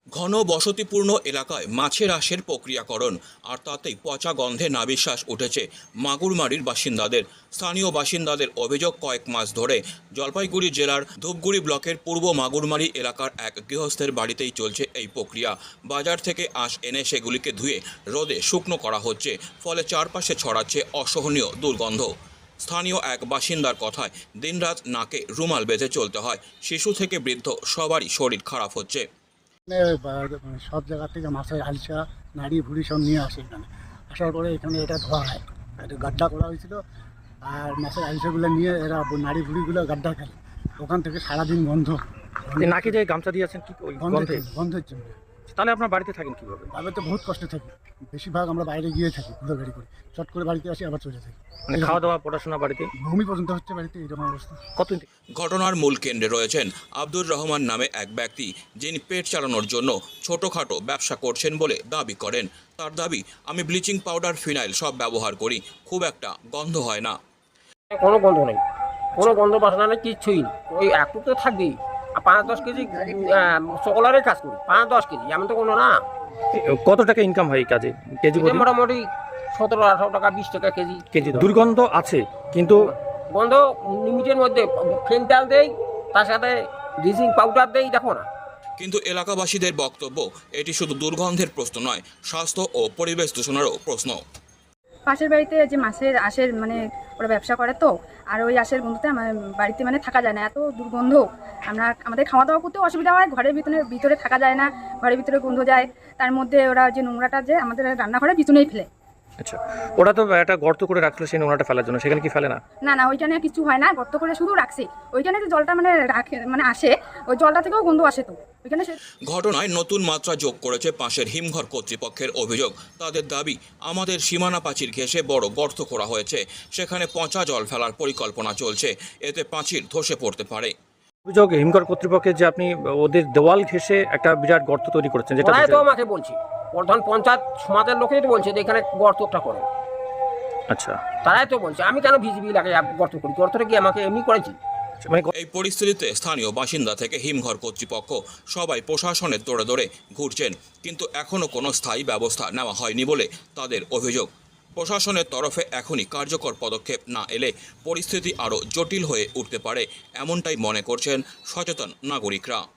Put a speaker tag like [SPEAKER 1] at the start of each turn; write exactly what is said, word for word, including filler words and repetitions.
[SPEAKER 1] ঘন বসতিপূর্ণ এলাকায় মাছের আঁশের প্রক্রিয়াকরণ আর তাতেই পচা গন্ধে নাভিশ্বাস উঠেছে মাগুরমারির বাসিন্দাদের। স্থানীয় বাসিন্দাদের অভিযোগ, কয়েক মাস ধরে জলপাইগুড়ি জেলার ধূপগুড়ি ব্লকের পূর্ব মাগুরমারি এলাকার এক গৃহস্থের বাড়িতেই চলছে এই প্রক্রিয়া। বাজার থেকে আঁশ এনে সেগুলিকে ধুয়ে রোদে শুকনো করা হচ্ছে, ফলে চারপাশে ছড়াচ্ছে অসহনীয় দুর্গন্ধ। স্থানীয় এক বাসিন্দার কথায় দিনরাত নাকে রুমাল বেঁধে চলতে হয়। শিশু থেকে বৃদ্ধ সবারই শরীর খারাপ হচ্ছে।
[SPEAKER 2] সব জায়গা থেকে মাছের হালসা নাড়ি ভুড়ি সব নিয়ে আসে এখানে। আসার পরে এখানে এটা ধোয়া হয়, একটা গাড্ডা করা হয়েছিল, আর মাছের হালসাগুলো নিয়ে এরা নাড়ি ভুড়িগুলো গাড্ডা ফেলে। ওখান থেকে সারাদিন বন্ধ।
[SPEAKER 3] নাকি যে গামছা দিয়েছেন কি ওই গন্ধে?
[SPEAKER 2] গন্ধের জন্য।
[SPEAKER 3] তাহলে আপনার বাড়িতে থাকেন কিভাবে?
[SPEAKER 2] আমি তো বহুত কষ্টে থাকি, বেশিরভাগ আমরা বাইরে গিয়ে থাকি ঘুরে গাড়ি করে, চট করে বাড়িতে আসি আবার চলে থাকি।
[SPEAKER 3] মানে খাওয়া দাওয়া পড়াশোনা বাড়িতে
[SPEAKER 2] ভূমি পর্যন্ত হচ্ছে বাড়িতে, এরকম অবস্থা।
[SPEAKER 3] কতদিন?
[SPEAKER 1] ঘটনার মূল কেন্দ্রে রয়েছেন আব্দুর রহমান নামে এক ব্যক্তি, যিনি পেট চালানোর জন্য ছোটোখাটো ব্যবসা করছেন বলে দাবি করেন। তার দাবি, আমি ব্লিচিং পাউডার, ফিনাইল সব ব্যবহার করি, খুব একটা গন্ধ হয় না।
[SPEAKER 4] কোনো গন্ধ নেই, কোনো গন্ধ বাসনা নেই, কিচ্ছুই নেই। ওই একটু তো থাকবেই। আর পাঁচ দশ কেজি সকলেরই কাজ করি, পাঁচ দশ কেজি, এমন তো কোনো না।
[SPEAKER 3] কত টাকা ইনকাম হয় এই কাজে কেজি?
[SPEAKER 4] মোটামুটি সতেরো আঠারো টাকা বিশ টাকা কেজি।
[SPEAKER 3] কেজি দুর্গন্ধ আছে, কিন্তু
[SPEAKER 4] গন্ধ লিমিটের মধ্যে। ফেন্টাল দেই, তার সাথে ব্লিচিং পাউডার দেই, দেখো না।
[SPEAKER 1] কিন্তু এলাকাবাসীদের বক্তব্য, এটি শুধু দুর্গন্ধের প্রশ্ন নয়, স্বাস্থ্য ও পরিবেশ দূষণেরও প্রশ্ন।
[SPEAKER 5] পাশের বাড়িতে যে মাছের আঁশের মানে ওরা ব্যবসা করে, তো আর ওই আঁশের গন্ধতে আমার বাড়িতে মানে থাকা যায় না, এত দুর্গন্ধ। আমরা আমাদের খাওয়া দাওয়া করতেও অসুবিধা হয়, ঘরের ভিতরে ভিতরে থাকা যায় না, ঘরের ভিতরে গন্ধ যায়। তার মধ্যে ওরা যে নোংরাটা যে আমাদের রান্নাঘরের পিছনেই ফেলে।
[SPEAKER 3] আচ্ছা, ওরা তো একটা গর্ত করে রাখলো সেই নোংরাটা ফেলার জন্য, সেখানে কি ফেলে না?
[SPEAKER 5] না না, ওইখানে কিছু হয় না, গর্ত করে শুধু রাখছে। ওইখানে যে জলটা মানে রাখে মানে আসে, ওই জলটা থেকেও গন্ধ আসে। তো ওইখানে
[SPEAKER 1] ঘটনায় নতুন মাত্রা যোগ করেছে পাশের হিমঘর কর্তৃপক্ষের অভিযোগ। তাদের দাবি, আমাদের সীমানা প্রাচীর ঘেঁষে বড় গর্ত করা হয়েছে, সেখানে পচা জল ফেলার পরিকল্পনা চলছে, এতে প্রাচীর ধসে পড়তে পারে।
[SPEAKER 3] অভিযোগ হিমঘর কর্তৃপক্ষের যে আপনি ওদের দেওয়াল ঘেঁষে একটা বিরাট গর্ত তৈরি করেছেন, যেটা
[SPEAKER 4] ওরাই তো আমাকে বলছে, প্রধান পঞ্চায়েত সমাজের লোকেই তো বলছে যে এখানে গর্তটা করে।
[SPEAKER 3] আচ্ছা,
[SPEAKER 4] তারাই তো বলছে, আমি কেন ভিজিবি লাগে গর্ত করি? গর্তটা কি আমাকে এমনি করেছি?
[SPEAKER 3] মানে
[SPEAKER 1] এই পরিস্থিতিতে স্থানীয় বাসিন্দা থেকে হিমঘর কর্তৃপক্ষ সবাই প্রশাসনের দৌড়ে দৌড়ে ঘুরছেন, কিন্তু এখনও কোনো স্থায়ী ব্যবস্থা নেওয়া হয়নি বলে তাদের অভিযোগ। প্রশাসনের তরফে এখনই কার্যকর পদক্ষেপ না এলে পরিস্থিতি আরও জটিল হয়ে উঠতে পারে, এমনটাই মনে করছেন সচেতন নাগরিকরা।